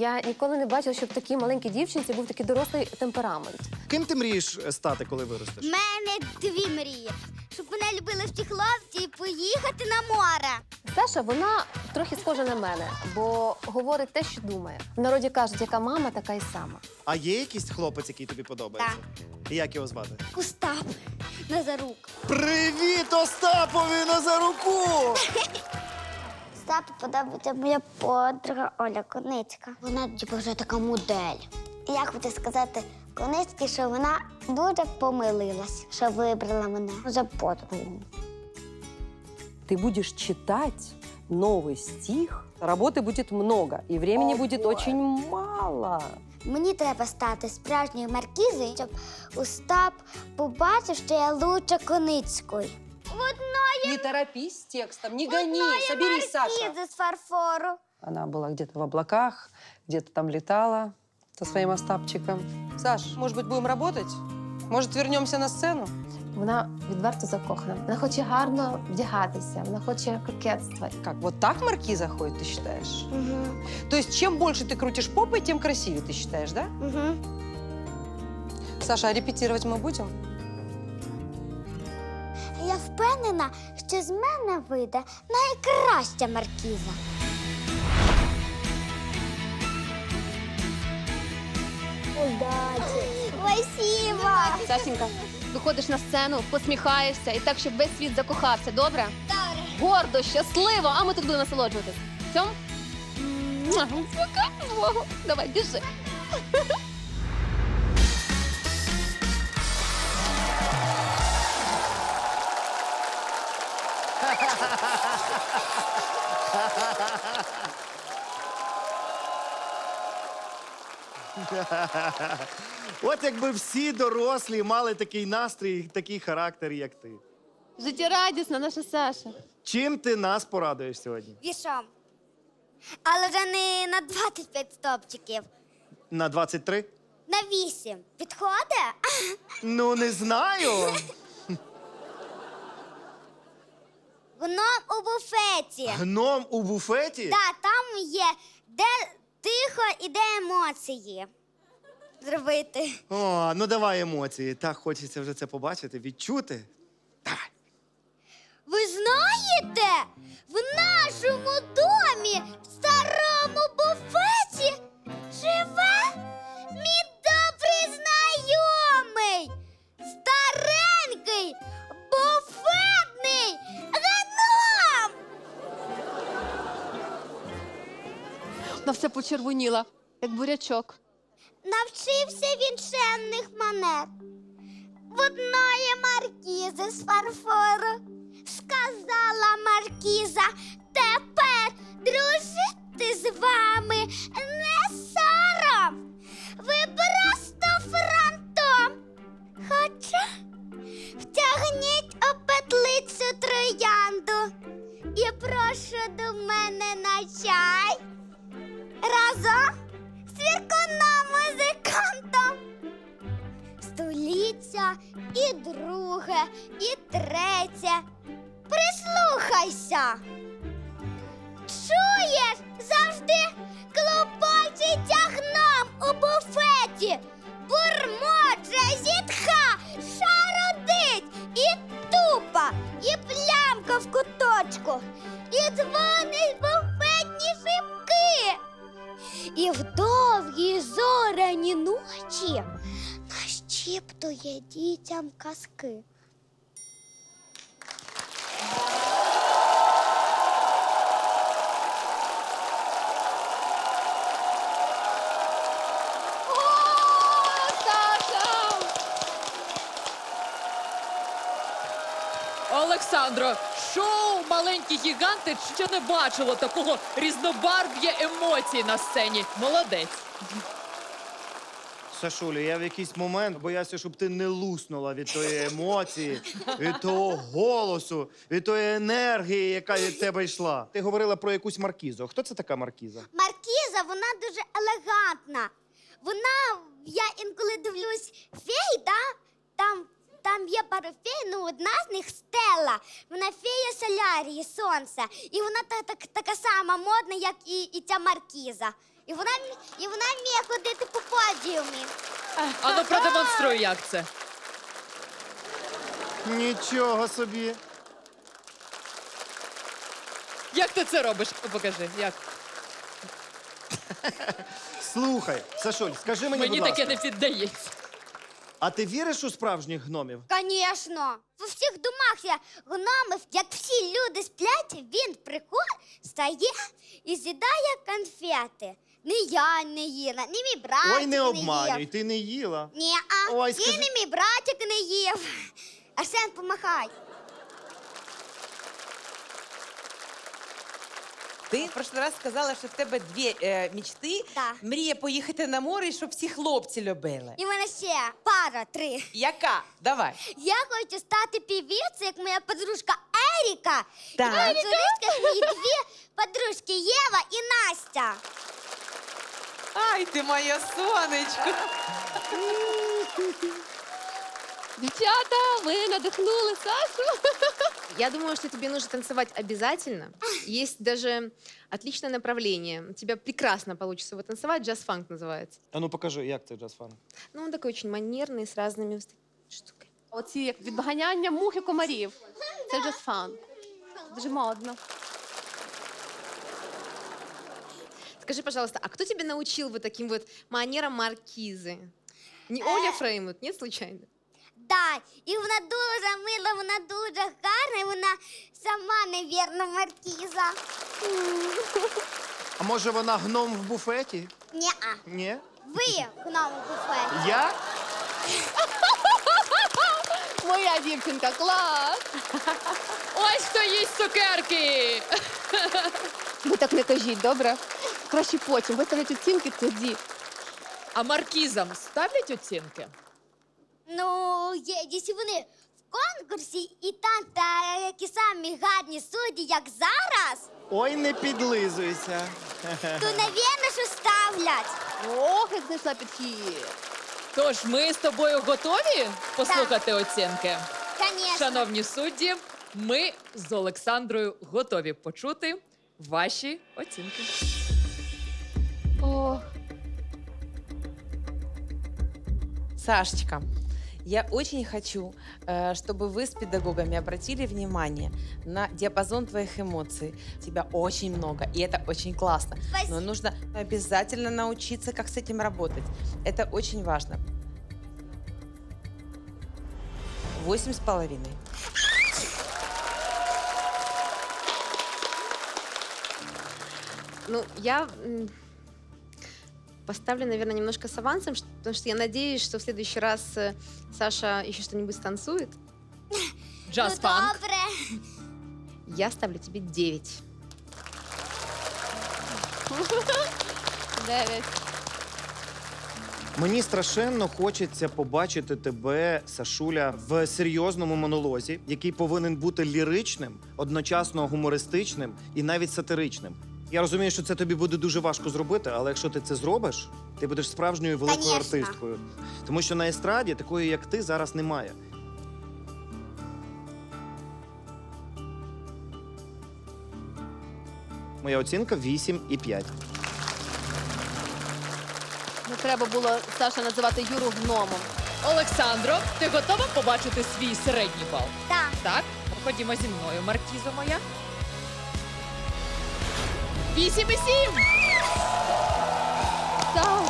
Я ніколи не бачила, щоб в такій маленькій дівчинці був такий дорослий темперамент. Ким ти мрієш стати, коли У виростеш? мене дві мрії. Щоб мене любили всі хлопці і поїхати на море. Саша, вона трохи схожа на мене, бо говорить те, що думає. В народі кажуть, яка мама, така й сама. А є якийсь хлопець, який тобі подобається? І як його звати? Остап Назарук. Привіт, Остапові Назаруку! Остапу подобається моя подруга Оля Коницька. Вона типу, вже така модель. І я хочу сказати Коницькій, що вона дуже помилилась, що вибрала мене за подругу. Ты будешь читать новый стих, работы будет много, и времени будет очень мало. Мені треба стати справжньою маркізою, щоб Остап побачив, що я лучше Коницької. Не торопись с текстом, не гони, соберись, Саша. Маркіза з фарфору. Она была где-то в облаках, где-то там летала со своим Остапчиком. Саш, может быть, будем работать? Может, вернемся на сцену? Вона відверто закохана. Вона хоче гарно вдягатися, вона хоче кокетства. Как, вот так маркиза ходит, ты считаешь? Угу. То есть, чем больше ты крутишь попой, тем красивее, ты считаешь, да? Угу. Саша, а репетировать мы будем? Я впевнена, що з мене вийде найкраща маркіза. Удачі! Спасибо! Сашенька, виходиш на сцену, посміхаєшся і так, щоб весь світ закохався, добре? Добре. Гордо, щасливо, а ми тут будемо насолоджуватись. Цьом? Пока. Давай, біжи. От якби всі дорослі мали такий настрій, такий характер, як ти. Життєрадісна наша Саша. Чим ти нас порадуєш сьогодні? Вішом. Але вже не на 25 стопчиків. На 23? На 8. Підходить? Ну, не знаю. Гном у буфеті. Гном у буфеті? Так, там є, де тихо і де емоції зробити. О, ну давай емоції. Так хочеться вже це побачити, відчути. Давай. Ви знаєте, в нашому домі, в старому буфеті, живе мій добрий знайомий, старенький, буфетний гном! Вона все почервоніла, як бурячок. Навчився він чемних манер. В одної маркізи з фарфору сказала маркіза, тепер дружити з вами не сором. Ви просто фронтом. Хоча втягніть у петлицю троянду і прошу до мене на чай. Разом з вірконом-музикантом. Століття і друге, і третє. Прислухайся. Чуєш, завжди клопочеться гном у буфеті. Бурмоче, зітха, шародить і тупа, і плямка в куточку, і дзвонить буфетні шибки. І в довгі зоряні ночі нашіптує дітям казки. Олександро, шоу «Маленькі гіганти» ще не бачило такого різнобарв'я емоцій на сцені. Молодець. Сашулю, я в якийсь момент боявся, щоб ти не луснула від тої емоції, від того голосу, від тої енергії, яка від тебе йшла. Ти говорила про якусь маркізу. Хто це така маркіза? Маркіза, вона дуже елегантна. Вона, я інколи дивлюсь фей, там є пару фей, ну одна з них Стелла. Вона фея Солярії, сонця. І вона така сама модна, як і ця маркіза. І вона вміє ходити по подіумі. Ану, продемонструй, як це. Нічого собі. Як ти це робиш? Покажи, як. Слухай, Сашуль, скажи мені, Мені будь таке ласка, не піддається. а ти віриш у справжніх гномів? Звісно. У всіх домах є гномів, як всі люди сплять, він приходить, стає і з'їдає конфети. Ні я не їла, ні мій братик Ой, не обманюй, їв. ти не їла. Ні, Ой, і скажи- не мій братик не їв. Арсен, помахай. Ти в прошлый раз сказала, що в тебе дві мечти. Так. Мрія поїхати на море, і щоб всі хлопці любили. І в мене ще пара, 3. Яка? Давай. Я хочу стати певицею, як моя подружка Еріка. Так. І танцюристка мої дві подружки Єва і Настя. Ай, ти моє сонечко. Девчата, вы надохнули Сашу. Я думаю, что тебе нужно танцевать обязательно. Есть даже отличное направление. У тебя прекрасно получится его танцевать. Джаз-фанк называется. А ну покажи, як це джаз-фанк. Ну, он такой очень манерный, с разными штуками. Оці як відганяння мух і комарів. Це джаз-фанк. Дуже модно. Скажи, пожалуйста, а кто тебя научил вот таким вот манерам маркизы? Не Оля Фреймут, нет, случайно? Да, і вона дуже мила, вона дуже гарна, і вона сама, невірна, маркіза. А може вона гном в буфеті? Ні-а. Ні? Ви в новому буфеті. Я? Моя дівчинка, клас! Ось хто їсть цукерки! Ви так не кажіть, добре? Краще потім. Виставлять оцінки тоді. А маркізам ставлять оцінки? Ну, якщо вони в конкурсі і там такі самі гарні судді, як зараз, Ой, не підлизуйся. то, навірно, що ставлять. Ох, як знайшла підхід. Тож ми з тобою готові послухати оцінки? Звісно. Шановні судді, ми з Олександрою готові почути ваші оцінки. Ох. Сашечка, я очень хочу, чтобы вы с педагогами обратили внимание на диапазон твоих эмоций. Тебя очень много, и это очень классно. Спасибо. Но нужно обязательно научиться, как с этим работать. Это очень важно. 8,5. Ну, я поставлю, наверное, немножко с авансом, потому что я надеюсь, что в следующий раз Саша еще что-нибудь станцует. Джаз-фанк. Ну, добре. Я ставлю тебе 9. 9. Мені страшенно хочеться побачити тебе, Сашуля, в серйозному монолозі, який повинен бути ліричним, одночасно гумористичним і навіть сатиричним. Я розумію, що це тобі буде дуже важко зробити, але якщо ти це зробиш, ти будеш справжньою великою Конечно. артисткою. Тому що на естраді такої, як ти, зараз немає. Моя оцінка 8,5. Не треба було, Саша, називати Юру гномом. Олександро, ти готова побачити свій середній бал? Так. Так? Ходімо зі мною, маркіза моя. 8,7! Саша!